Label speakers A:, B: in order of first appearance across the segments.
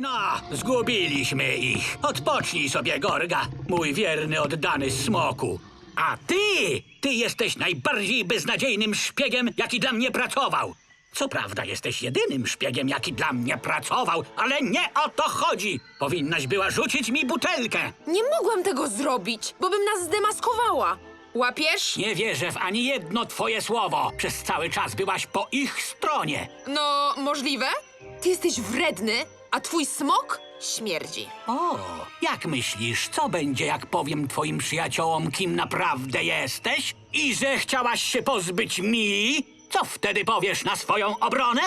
A: No, zgubiliśmy ich. Odpocznij sobie, Gorga, mój wierny, oddany smoku. A ty jesteś najbardziej beznadziejnym szpiegiem, jaki dla mnie pracował. Co prawda jesteś jedynym szpiegiem, jaki dla mnie pracował, ale nie o to chodzi. Powinnaś była rzucić mi butelkę.
B: Nie mogłam tego zrobić, bo bym nas zdemaskowała. Łapiesz?
A: Nie wierzę w ani jedno twoje słowo. Przez cały czas byłaś po ich stronie.
B: No, możliwe. Ty jesteś wredny, a twój smok śmierdzi.
A: O, jak myślisz, co będzie, jak powiem twoim przyjaciołom, kim naprawdę jesteś? I że chciałaś się pozbyć mi? Co wtedy powiesz na swoją obronę?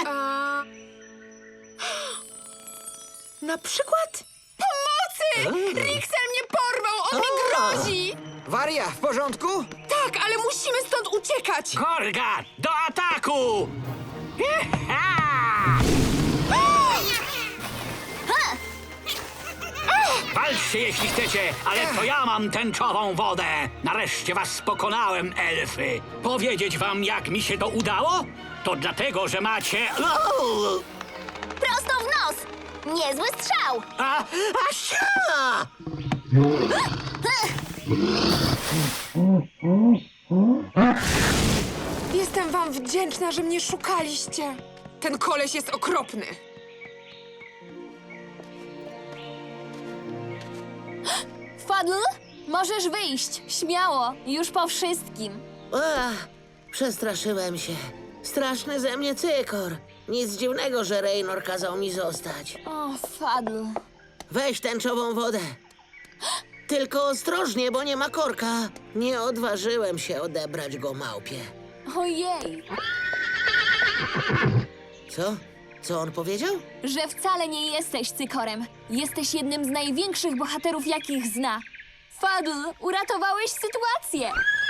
B: Na przykład? Pomocy! Rixel mnie porwał, on mi grozi!
C: Waria, w porządku?
B: Tak, ale musimy stąd uciekać!
A: Gorga, do ataku! Jecha! Walczcie, jeśli chcecie, ale to ja mam tęczową wodę. Nareszcie was pokonałem, elfy. Powiedzieć wam, jak mi się to udało? To dlatego, że macie...
D: Prosto w nos! Niezły strzał!
A: Asia!
B: Jestem wam wdzięczna, że mnie szukaliście. Ten koleś jest okropny.
D: Fadl, możesz wyjść. Śmiało, już po wszystkim.
E: Ach, przestraszyłem się. Straszny ze mnie cykor. Nic dziwnego, że Raynor kazał mi zostać.
D: O, Fadl.
E: Weź tęczową wodę. Tylko ostrożnie, bo nie ma korka. Nie odważyłem się odebrać go małpie.
D: Ojej,
E: Co? Co on powiedział?
D: że wcale nie jesteś cykorem. Jesteś jednym z największych bohaterów, jakich zna. Fadl, uratowałeś sytuację.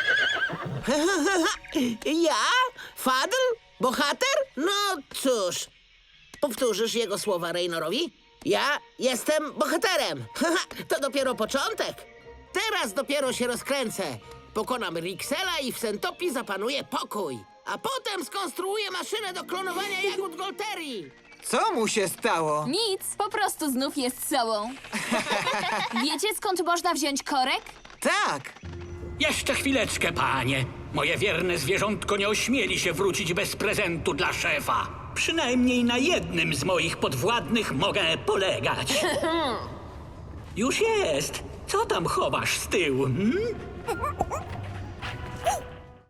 E: Ja? Fadl? Bohater? No cóż. Powtórzysz jego słowa Raynorowi? Ja jestem bohaterem. To dopiero początek. Teraz dopiero się rozkręcę. Pokonam Rixela i w Sentopii zapanuje pokój. A potem skonstruuję maszynę do klonowania jagód Golterii.
C: Co mu się stało?
D: Nic, po prostu znów jest sobą. Wiecie, skąd można wziąć korek?
C: Tak.
A: Jeszcze chwileczkę, panie. Moje wierne zwierzątko nie ośmieli się wrócić bez prezentu dla szefa. Przynajmniej na jednym z moich podwładnych mogę polegać. Już jest. Co tam chowasz z tyłu?